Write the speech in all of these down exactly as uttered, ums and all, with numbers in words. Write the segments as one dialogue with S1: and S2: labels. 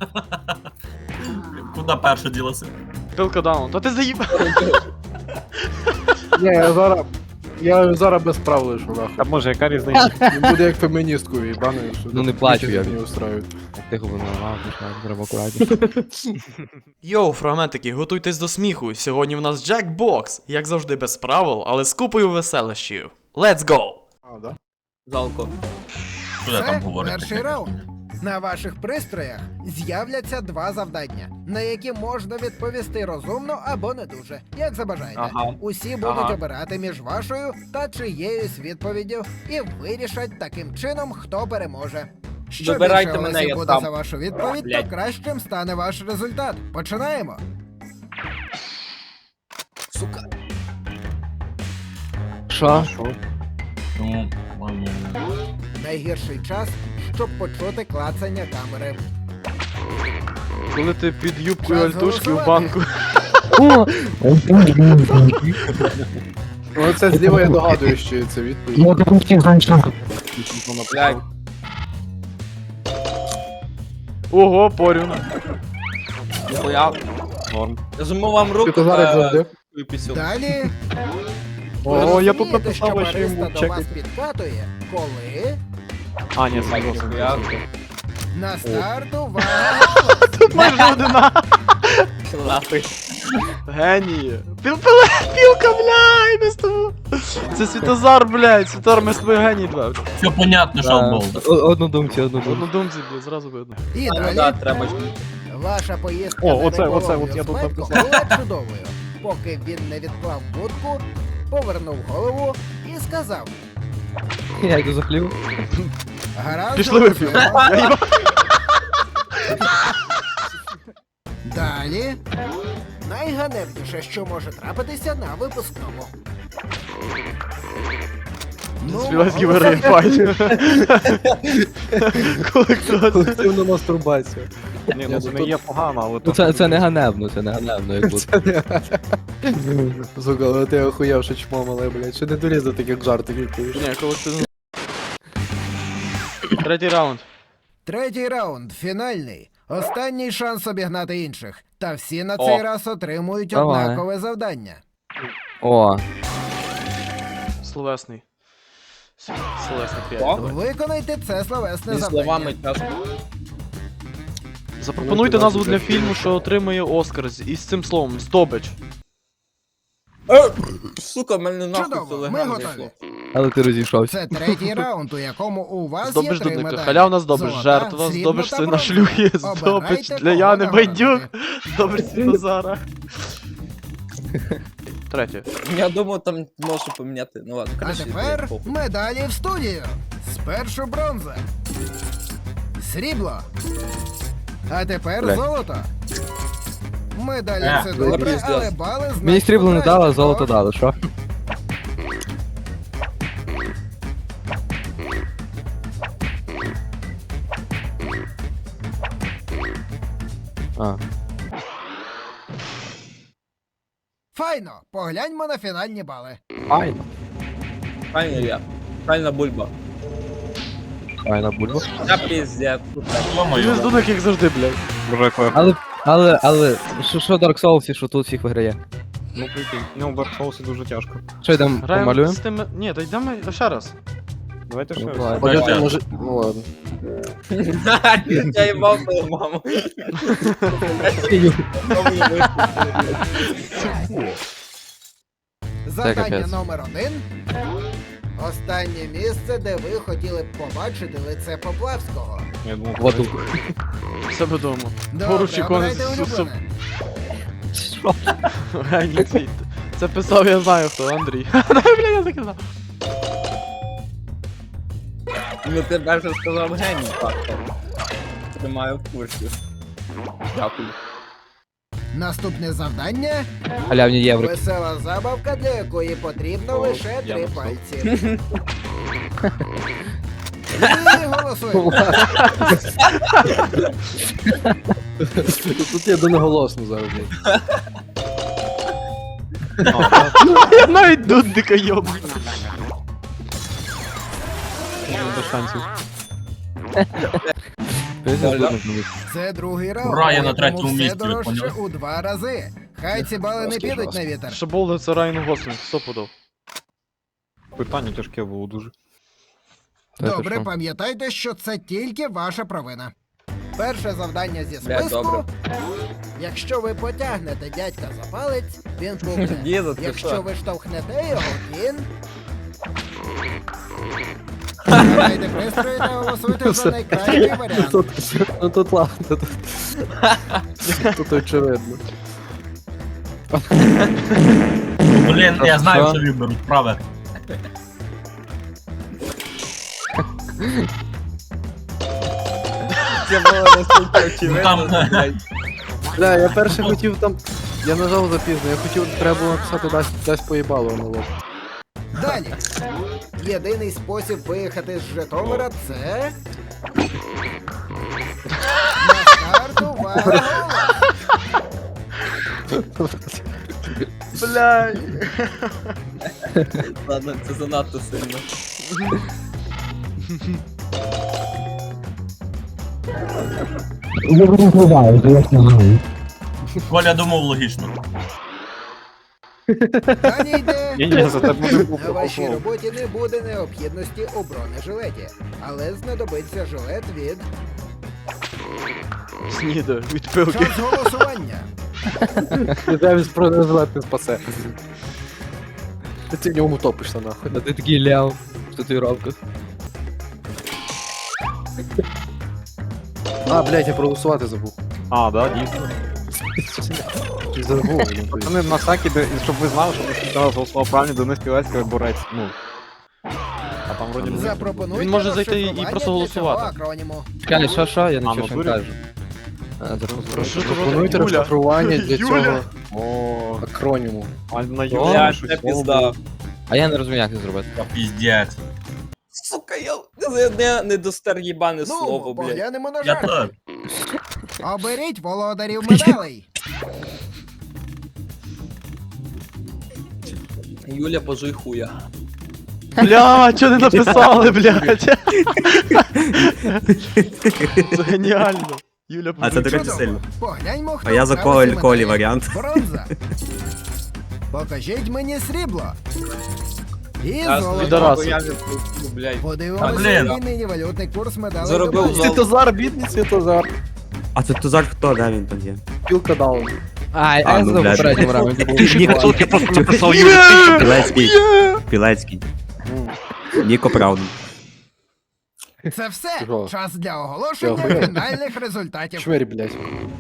S1: Куда перша ділася?
S2: Пилка даун. Та ти заїб...
S3: Ні, я зараз. Я зараз без прав лишу, нахуй.
S4: Та може, яка різниця?
S3: Він буде як феміністкою їбаною, що
S5: Ну, не плачу я.
S3: не устраюють.
S5: Тихо, воно, ладно, треба акуратно.
S2: Йоу, фрагментики, готуйтесь до сміху. Сьогодні в нас Джекбокс. Як завжди без правил, але з купою веселощів. Let's go!
S3: А, да?
S6: Жалко.
S1: Що я там
S7: Це
S1: говорю?
S7: перший раунд. На ваших пристроях з'являться два завдання, на які можна відповісти розумно або не дуже, як забажаєте.
S6: Ага.
S7: Усі будуть
S6: Ага.
S7: обирати між вашою та чиєюсь відповіддю і вирішать таким чином, хто переможе. Що
S6: Вибирайте
S7: більше
S6: мене,
S7: голосів
S6: я
S7: буде
S6: сам.
S7: за вашу відповідь,
S6: Блядь.
S7: то кращим стане ваш результат. Починаємо.
S6: Сука.
S5: Що?
S1: Ну, ладно.
S7: Найгірший час, щоб почути клацання камери.
S2: Коли ти під юбкою
S7: Час
S2: альтушки в
S7: голосувати.
S2: банку.
S3: Ну це зліва я догадую, що це відповідь.
S6: Блядь.
S2: Ого, порівну.
S6: Ніхуя.
S4: Норм.
S6: Я жму вам руку.
S3: Ти то зараз
S6: е,
S3: завжди.
S6: і пісю.
S7: Далі. Ви
S4: О, я тут
S7: розумієте, що
S4: написав, що йому
S7: бариста до вас
S4: чекати.
S7: підкатує, коли
S4: А, ні, це
S6: Ніхуя.
S7: на старт увага!
S2: Тут майже одина.
S6: Нахуй.
S2: Генії. Піл-піле, пілка, бля, і ми з тобою. Це Світозар, блядь, Світозар, ми з тобою генії два.
S1: Все понятно, що
S5: Да.
S1: був.
S5: О- Однодумці, однодумці.
S2: Однодумці, блядь, зразу видно.
S7: І
S6: А, ну
S7: далі
S6: да, треба ж.
S7: ваша поїздка
S4: О,
S7: на
S4: оце,
S7: риболовлю
S4: оце, от я
S7: з
S4: тут
S7: Петком
S4: написав.
S7: була чудовою, поки він не відклав будку, повернув голову і сказав:
S5: Я йду за хліб.
S7: гаразд,
S2: Пішли вип'ємо.
S7: голосуємо». Далі найганебніше, що може трапитися на випускному. Ну,
S2: Співацький
S7: голосуємо.
S2: варей файт.
S3: Колективна мастурбація.
S4: Ні, ну це не є погано, але
S5: Ну
S4: то...
S5: це, це не ганебно, це не ганебно, як буде.
S3: Сука, але ти охуєв, що чмо мале, блядь. Ще не дуріз до таких жартів, чуєш.
S2: Ні, коли ти... Третій раунд.
S7: Третій раунд, фінальний. Останній шанс обігнати інших. Та всі на
S6: О.
S7: цей раз отримують
S5: Давай.
S7: однакове завдання.
S5: О,
S2: Словесний. С- Словесний
S6: О.
S2: приятель.
S7: Виконайте це словесне
S6: Зі
S7: завдання.
S6: словами тяжко.
S2: Запропонуйте назву для фільму, що отримає Оскар з- із цим словом. Здобич.
S6: Е, Сука, в мене нахуй
S7: Чудово, ми
S6: телеграм
S7: готові.
S6: зайшло.
S5: але ти розійшовся.
S7: Це третій раунд, у якому у вас
S2: Здобич
S7: є три
S2: дудника.
S7: медалі.
S2: Халявна здобич.
S7: Золота,
S2: Жертва.
S7: срібна
S2: Здобич
S7: та
S2: сина
S7: бронзова.
S2: шлюхи. Здобич
S7: Обирайте,
S2: для
S7: кого
S2: Яни
S7: нагородити.
S2: Байдюк. Здобич Світозара. Третє.
S6: Я думав, там можу поміняти. Ну ладно,
S7: А
S6: краще.
S7: тепер
S6: похуй.
S7: медалі в студію. Спершу бронза. Срібло. А тепер
S5: Блядь.
S7: золото. Медалі
S1: Е,
S7: це
S6: добре,
S7: добре,
S6: піздець.
S7: але бали значно
S5: Мені срібло не
S7: краще.
S5: дали, а золото
S7: Тож,
S5: дали, що? А,
S7: Файно, погляньмо на фінальні бали.
S5: файно.
S6: Файна я. Файна бульба.
S5: Файна бульба.
S6: Я піздець.
S2: Ти
S1: Ё-моё.
S2: з дудник, як завжди, блядь.
S4: Боже, якою...
S5: Але, але, але, що, що Dark Souls, що тут всіх виграє?
S4: Ну, прикинь. Ну, в Dark Souls дуже тяжко.
S5: Що йдемо,
S2: Граємо
S5: помалюємо?
S2: з тими... Ні, та йдемо ще раз.
S4: Давайте ще
S5: Ну,
S4: раз.
S5: давай.
S3: Може,
S1: Давай.
S3: ти може. Ну ладно.
S6: Я їбав твою маму.
S7: Завдання
S5: капець.
S7: номер один. Останнє місце, де ви хотіли б побачити лице Поплавського.
S4: Я думав,
S5: В аду.
S2: В себе вдома.
S7: Добре,
S2: Поруч ікони
S7: обирайте
S2: з- з-
S7: улюблене.
S5: Що?
S2: Геній твій. Це писав, я знаю хто, Андрій. Ну, бля, я так і знав.
S6: Ну ти перше сказав геній, фактор. Тримаю в курсі. Дякую.
S7: Наступне завдання
S5: Халявні єврики.
S7: весела забавка, для якої потрібно
S4: О,
S7: лише
S4: я
S7: три
S4: написав.
S7: пальці. І голосуємо.
S3: Тут я доноголосно зараз, блядь.
S2: Я навіть дудника йобаю.
S4: без шансів.
S7: Це другий раунд.
S1: Ура, я
S7: у
S1: на
S7: якому
S1: третьому
S7: все
S1: місці, ви
S7: дорожче
S1: поняли?
S7: у два рази. Хай ці бали не
S3: Жорстко,
S7: підуть
S3: жорстко.
S7: на вітер.
S2: Шабол це Райан Гослінг, стопудов.
S4: Питання тяжке було дуже.
S7: Добре, пам'ятайте, що це тільки ваша провина. Перше завдання зі
S6: Бля,
S7: списку.
S6: добре.
S7: Якщо ви потягнете дядька за палець, він пукне.
S6: Дідо, ти
S7: Якщо
S6: що?
S7: ви штовхнете його, він. Давайте пристрої та голосуйте за найкращий варіант.
S3: Тут, ну тут ладно, тут. Тут очевидно.
S1: Блін, я знаю,
S5: Що?
S1: що виберуть, праве.
S6: Це було настільки
S1: Ну,
S6: очевидно,
S1: там-
S6: блядь.
S3: Бля, я перше хотів там. Я нажав запізно, я хотів, треба було написати дасть, дасть поїбало на лоб.
S7: Далі. Єдиний спосіб виїхати з Житомира це. На старт увага!
S2: Бля.
S6: Ладно, це занадто сильно.
S1: Коля думав логічно.
S7: Далі йде.
S4: Ні, ні, за тебе не був
S7: На вашій
S4: прокол.
S7: роботі не буде необхідності у бронежилеті, але знадобиться жилет від
S2: Сніда, від пилки.
S7: час голосування.
S3: Я навіть про назвати не спасе. Ти в ньому топишся нахуй.
S5: А ти такий ляв в татуїровках.
S3: А, блядь, я проголосувати забув.
S4: А, да, дійсно.
S3: Ти забув, блін.
S4: Пацани, на сакі, де, щоб ви знали, що ви зараз голосував правильно Денис Пілецький борець, ну. А там вроді не
S7: Запропонуйте
S2: Він може зайти і
S7: розшифрування
S2: просто
S7: для цього
S2: голосувати.
S7: акроніму.
S5: Чекай, що, що? Я не
S4: А,
S5: чую, що
S4: ну,
S5: він
S4: дурі.
S5: каже. А, зараз
S2: Прошу
S3: Пропонуйте
S2: Юля.
S3: розшифрування для
S2: Юля.
S3: цього
S4: О,
S3: акроніму.
S4: а на
S5: Бля,
S4: Юлі
S6: Бля,
S4: щось
S6: це
S4: слово
S6: пізда.
S4: було.
S5: А я не розумію, як це зробити.
S1: Та піздець.
S6: Сука, я не, не, не достер їбане
S7: Ну,
S6: слово, блядь.
S7: поглянемо на
S1: Я
S7: жарт.
S1: так.
S7: Оберіть володарів медалей.
S6: Юля, пожуй хуя.
S2: Бля, чого не написали, блядь? Це геніально. Юля,
S8: А це, до речі,
S7: Чудово.
S8: сильно.
S7: Погляньмо, хто
S8: А я за
S7: вкрав
S8: Колі,
S7: ці
S8: Колі
S7: медалі.
S8: варіант.
S7: Бронза. Покажіть мені срібло. І золото.
S2: Підараси.
S6: Я вже ну, блядь.
S1: Та,
S7: Подивимося,
S1: блін.
S7: який нині валютний курс медалей.
S6: Заробив
S7: до бронзи.
S6: золото.
S3: Світозар, бідний Світозар.
S8: А це Тузар хто, де він там є?
S3: Пілка даун.
S5: Ай,
S8: А,
S5: а я
S8: ну,
S5: задав
S8: блядь.
S5: попередньому раунді. був.
S8: Ніко, я просто написав Пілецький. Пілецький. Ніко правда.
S7: Це все.
S3: Чого?
S7: Час для оголошення
S3: Чого?
S7: фінальних результатів.
S3: Чмирі, блядь.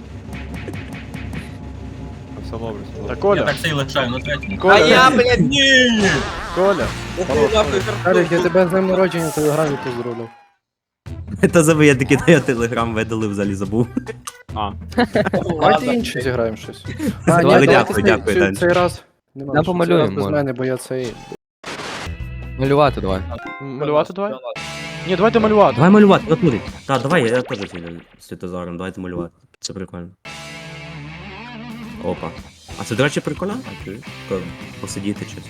S4: Все добре, все
S2: Та
S4: добре.
S1: Я
S2: Коля,
S1: так все і лишаю на третьому.
S6: А
S2: Коля,
S6: я, блядь,
S1: Ні!
S2: Коля.
S6: похуй нахуй
S3: Ярик, я
S6: картошку.
S3: тебе з днем народження в телеграмі поздоровляв.
S8: Та забив, я таки на телеграм видалив, взагалі забув.
S4: А,
S3: Давайте інше зіграємо щось. А, ні,
S8: Дякую,
S3: давайте цей-
S8: дякую,
S3: цей-
S8: Дань.
S3: Цей раз. Нема,
S5: Нам
S3: що,
S5: помалюємо,
S3: цей раз без
S5: може.
S3: мене, бо я цей...
S5: Малювати давай.
S2: Малювати давай? Ні, давайте малювати.
S8: Давай малювати, натурі. Так, давай, я теж сьогодні з Світозаром, давайте малювати. Це прикольно. Опа. А це, до речі, прикольно? А ти? Тако Посидіти щось.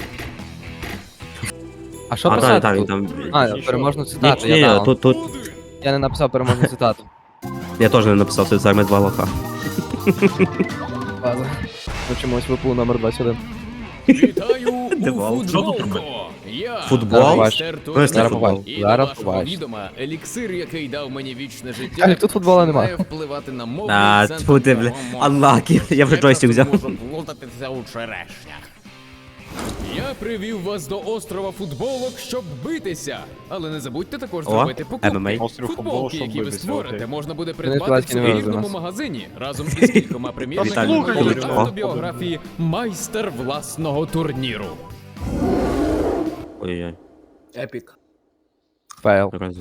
S5: А що
S8: А, так,
S5: писати
S8: так,
S5: тут?
S8: там...
S5: А, переможну
S8: Ні,
S5: цитату,
S8: ні,
S5: я дав.
S8: тут, тут...
S5: Я не написав переможну цитату.
S8: Я теж не написав, це саме два лоха.
S5: База. Ну чомусь випав номер двадцять один.
S9: Вітаю у
S8: Дивал.
S1: Що тут
S9: футболку.
S1: робити?
S9: Я
S8: Футбол?
S9: майстер
S8: Ну, якщо
S9: турніру.
S8: футбол.
S9: І
S5: Зараз
S9: до вашого
S5: побачиш.
S9: відома еліксир, який дав мені вічне життя,
S5: Але тут футбола нема.
S9: має впливати на мову
S8: А, тьфу ти, бля. Анлакі, я вже джойстик взяв.
S9: можу плутатися у черешнях. Я привів вас до острова футболок, щоб битися. Але не забудьте також
S8: О,
S9: зробити
S8: ем ем
S9: покупки.
S8: а.
S4: Острів футболу,
S9: Футболки,
S4: щоб
S9: які ви
S4: битися,
S9: створите,
S4: окей.
S9: можна буде
S5: Пілецький
S9: придбати в
S5: не вивезе
S9: сувенірному
S5: нас.
S9: магазині разом із кількома примірниками
S8: Віталій,
S9: кольору
S8: Віталій.
S9: автобіографії «Майстер власного турніру».
S8: Ой-ой-ой,
S6: Епік.
S5: Фейл.
S8: разу.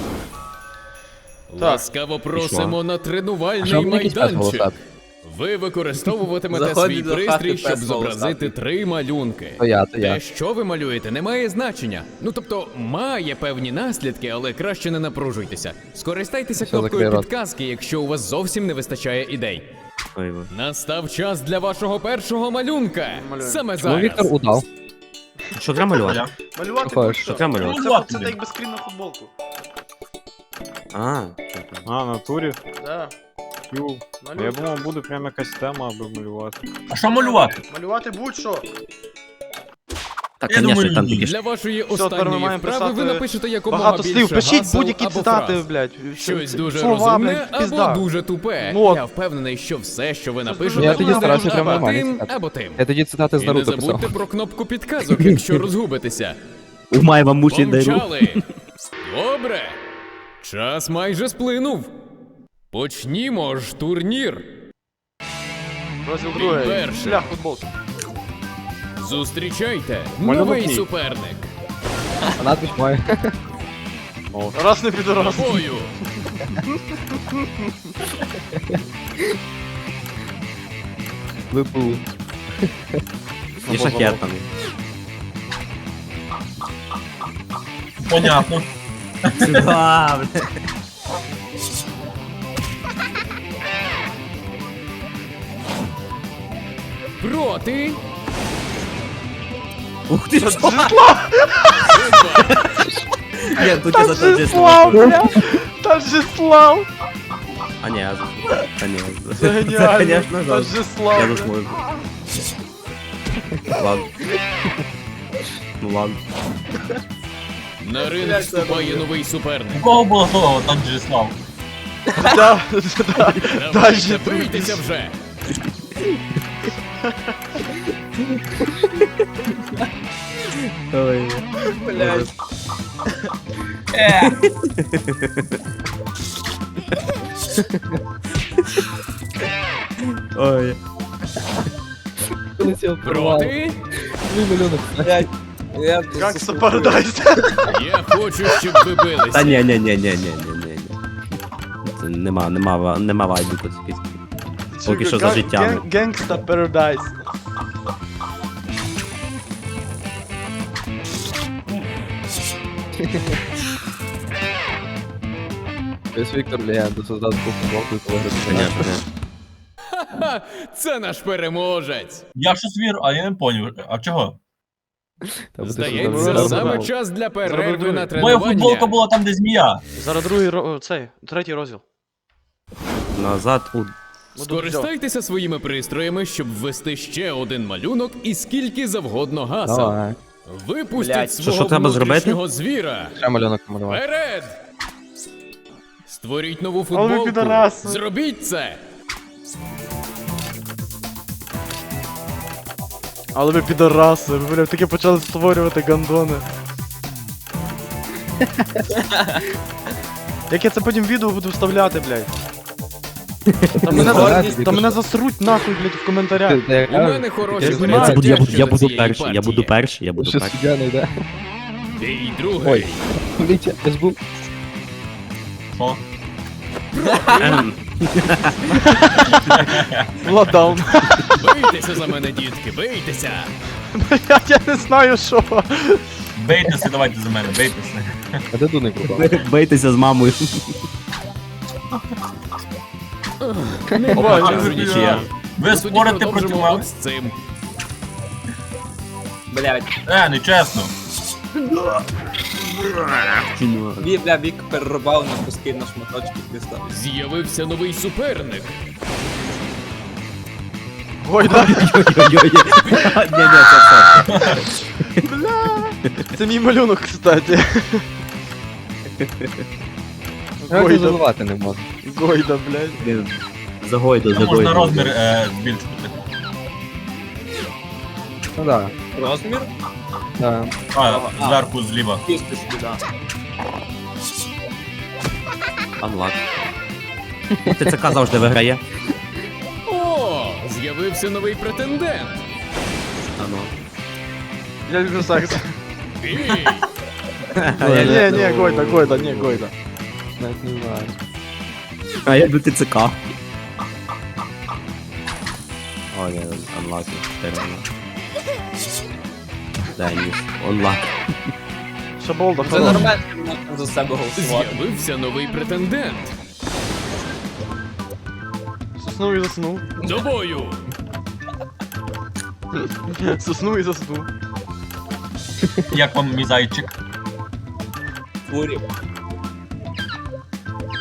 S9: Ласкаво просимо на
S5: А
S9: тренувальний
S5: що мені якийсь пес
S9: майданчик.
S5: голосати?
S9: Ви використовуватимете
S6: Заходить
S9: свій
S6: до хати
S9: пристрій,
S6: пес
S9: щоб
S6: голосати.
S9: зобразити три малюнки.
S5: То я, то я.
S9: Те, що ви малюєте, не має значення. Ну тобто, має певні наслідки, але краще не напружуйтеся. Скористайтеся
S5: Все, закрий
S9: кнопкою
S5: рот.
S9: підказки, якщо у вас зовсім не вистачає ідей.
S8: Ой, ви.
S9: Настав час для вашого першого малюнка.
S2: Малюємо.
S9: Саме
S5: Чому
S9: зараз.
S5: Віктор удав?
S8: Що треба малювати?
S1: Коля.
S2: Малювати
S5: Хочеш,
S2: будь-що.
S8: що треба малювати?
S2: Це,
S1: Малювати
S2: це
S1: тобі.
S2: так би скрін на футболку.
S8: А,
S4: А, на турі.
S2: Да.
S4: Ю.
S2: Малюй.
S4: Я думав, буде прям якась тема, аби малювати.
S1: А що малювати?
S2: Малювати будь-що.
S8: так,
S1: Я
S8: звісно,
S1: думаю,
S8: там
S1: ні.
S8: тільки ж.
S9: Для вашої
S2: тепер ми
S9: останньої
S2: маємо
S9: вправи ви
S2: писати
S9: напишете якомога
S2: Багато
S9: більше
S2: слів, пишіть
S9: гасел
S2: будь-які
S9: або
S2: цитати,
S9: фраз.
S2: блядь.
S9: Щось дуже
S2: Слова,
S9: розумне
S2: блядь,
S9: або
S2: пізда.
S9: дуже тупе.
S2: Ну от.
S9: Я впевнений, що все, що ви напишете,
S2: дуже
S5: Я тоді
S9: буде
S5: старався прям
S9: або
S5: нормально
S9: тим,
S5: цитати.
S9: або тим.
S5: Я тоді цитати з
S9: І не
S5: Наруто писав.
S9: забудьте про кнопку підказок, якщо розгубитеся.
S8: Умай вам мучить дару.
S9: Помчали! Добре. Час майже сплинув. Почнімо ж турнір.
S2: Розділ
S9: Бій
S2: другий.
S9: перший.
S2: Шлях футболки.
S9: Зустрічайте
S4: Малюнок
S9: новий
S4: ні.
S9: суперник.
S5: А надпись має.
S2: Раз не підорас.
S9: До бою.
S5: ВПУ.
S8: І шахет там.
S1: Понятно.
S8: Да, бля.
S9: Проти.
S8: Ух ти, що? Я тут за то здесь.
S2: бля! Там же слав!
S8: А ні, я за- Та ні.
S2: Це геніально!
S8: Конечно,
S2: Там
S8: да.
S2: же
S8: Я
S2: слав!
S8: заслужу. Ладно. Ну ладно.
S9: На ринг вступає новий суперник.
S1: У кого було слово там Джислав?
S2: Да, да.
S9: Давайте, бийтеся вже.
S8: Ой.
S6: Блядь.
S8: Ой.
S5: Полетів порвав.
S9: Проти.
S5: Твій малюнок.
S6: Блядь. Я
S2: Як це Paradise?
S9: Я хочу, щоб ви
S8: Та
S9: билися.
S8: ні, ні, ні, ні, ні, ні, ні. Це нема, нема, ва- нема вайбу тут якийсь. Поки що за життями.
S2: Гангста Paradise.
S5: Весь Віктор легенду создав таку футболку і повиграти.
S8: Конечно, ні.
S9: Ха, це наш переможець.
S1: Я щось вірю, а я не поняв. А чого?
S9: Здається, саме час для перерви на
S1: Моя
S9: тренування.
S1: футболка була там, де змія.
S2: Зараз другий ро- цей, третій розділ.
S8: Назад у.
S9: Скористайтеся своїми пристроями, щоб ввести ще один малюнок і скільки завгодно гасел.
S5: Давай.
S9: Випустіть
S6: Блядь,
S9: свого
S8: що треба зробити?
S9: внутрішнього звіра.
S5: Ще малюнок намалювати.
S9: Вперед! Створіть нову
S2: Але ви
S9: футболку.
S2: підараси.
S9: Зробіть це!
S2: Але ви підараси, ви, бля, таке почали створювати гандони. Як я це потім відео буду вставляти, блядь? Та мене,
S5: Гордість,
S2: та мене засруть нахуй, блядь, в коментарях.
S5: Ти- ти
S9: У
S5: яка?
S9: мене хороші
S5: Я
S8: Я,
S2: знімаю,
S8: це буду, я, буду,
S9: передчастя
S8: я
S9: до
S8: буду
S9: цієї
S8: перший, я буду
S9: партії.
S8: перший, я буду
S5: Ще
S8: перший.
S5: суддя не йде.
S9: Бій другий.
S5: Ой. Вітя, я ж був.
S1: Що?
S8: Ем,
S2: Лодаун.
S9: Бийтеся за мене, дітки, бийтеся!
S2: Я, я не знаю, що.
S1: Бейтеся, давайте за мене, бейтеся.
S5: А де Дуник пропав?
S8: бей- Бийтеся з мамою.
S9: Не
S2: Ой,
S9: бачу
S2: ну,
S9: нічия.
S1: Ви
S9: Тоді
S1: спорите проти
S9: продовжимо
S1: мене?
S9: от з цим.
S6: Блядь.
S1: Е, нечесно.
S6: Ві, бля, Вік перерубав на куски на шматочки пізда.
S9: З'явився новий суперник.
S2: Гойда.
S8: Ой-ой-ой. Ні, ні, це все.
S2: Це мій малюнок, кстати.
S5: Я
S2: Гойда.
S5: заливати не можу.
S2: Гойда, блядь.
S8: Блін, Загойду,
S1: Можна
S8: загойду.
S1: розмір е, збільшити.
S5: Ну да.
S6: Розмір?
S5: Да.
S1: А, зверху зліва.
S6: Кісточки, да.
S8: Unlock. ТЦК завжди виграє.
S9: О, з'явився новий претендент.
S8: А ну.
S2: Я люблю секс.
S9: Бій!
S2: Ні, ні, ні, Гойда, Гойда, ні, Гойда.
S5: Навіть не знаю.
S8: А я люблю ТЦК. О, ні, Unlock. Деніс. Unlock.
S2: Шаболда,
S6: Це
S2: хорош.
S6: нормально, що можна за себе голосувати.
S9: З'явився новий претендент.
S2: Соснув і заснув.
S9: До бою!
S2: Соснув і заснув.
S1: Як вам мій зайчик?
S6: Фурі.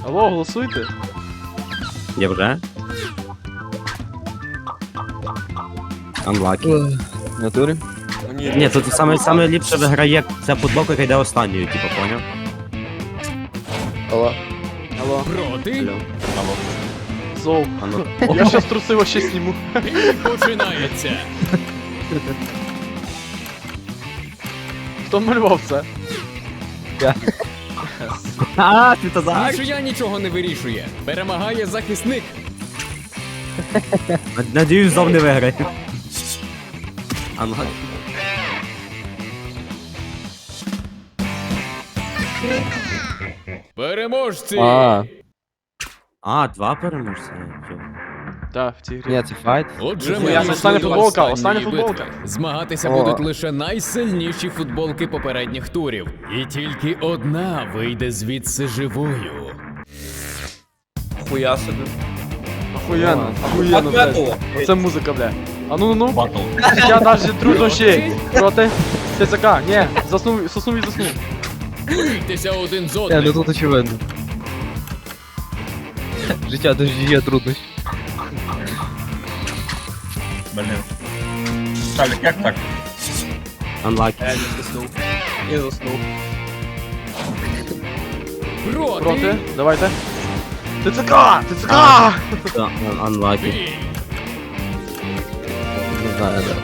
S3: Алло, голосуйте.
S8: Я вже? Unlucky.
S5: В натурі?
S8: Ні, тут саме, саме ліпше виграє ця футболка, яка йде останньою, типу, поняв?
S3: Алло. Алло.
S9: Проти
S8: Алло.
S3: Зов.
S8: А ну.
S3: Я щас труси вообще сніму.
S9: бій починається.
S3: Хто малював це?
S8: А, ти то так?
S9: Нічия нічого не вирішує. Перемагає захисник.
S8: Надіюсь, зов не виграє. Unlucky.
S9: Переможці!
S5: А,
S8: А, два переможця. Йо.
S3: Так, в цій грі.
S5: ні, це файт.
S9: Отже,
S3: Я
S9: ми
S3: ж
S9: дійшли
S3: остання
S9: до
S3: футболка,
S9: останньої
S3: остання
S9: битви.
S3: футболка.
S9: Змагатися
S3: О.
S9: будуть лише найсильніші футболки попередніх турів. І тільки одна вийде звідси живою.
S6: Хуя собі.
S3: Охуєнно, охуєнно, блядь. Оце музика, бля. А ну ну ну.
S1: Батл.
S3: Я навіть труднощі. Проти. ТЦК, ні, заснув, соснув і заснув.
S9: Бійтеся один з
S5: Ні, ну
S9: одним.
S5: тут очевидно. Життя дуже є труднощі.
S1: Блін. Салік, як так?
S8: Unlucky.
S6: І заснув.
S9: Проти.
S3: Проти, давайте. ТЦК! ТЦК!
S8: Да, Unlucky.
S9: Бій.
S5: Не знаю, да.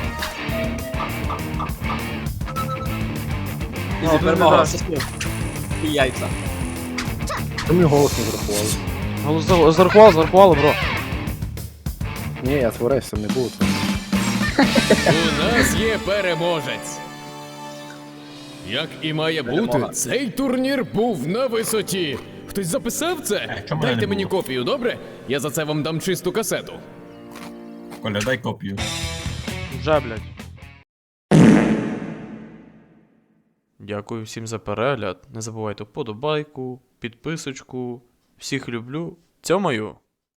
S6: І перемога, заснув. І яйця.
S3: Мені голос не зарахували. Голос за- зарахувало, зарахувало, бро. Ні, я творився, не було цього.
S9: У нас є переможець. Як і має бути,
S6: Перемога.
S9: цей турнір був на висоті. Хтось записав це?
S1: чому мене
S9: Дайте
S1: не
S9: мені
S1: було?
S9: копію, добре? Я за це вам дам чисту касету.
S1: Коля, дай копію.
S3: Вже, блядь. Дякую всім за перегляд. Не забувайте вподобайку, підписочку. Всіх люблю. Цьомаю!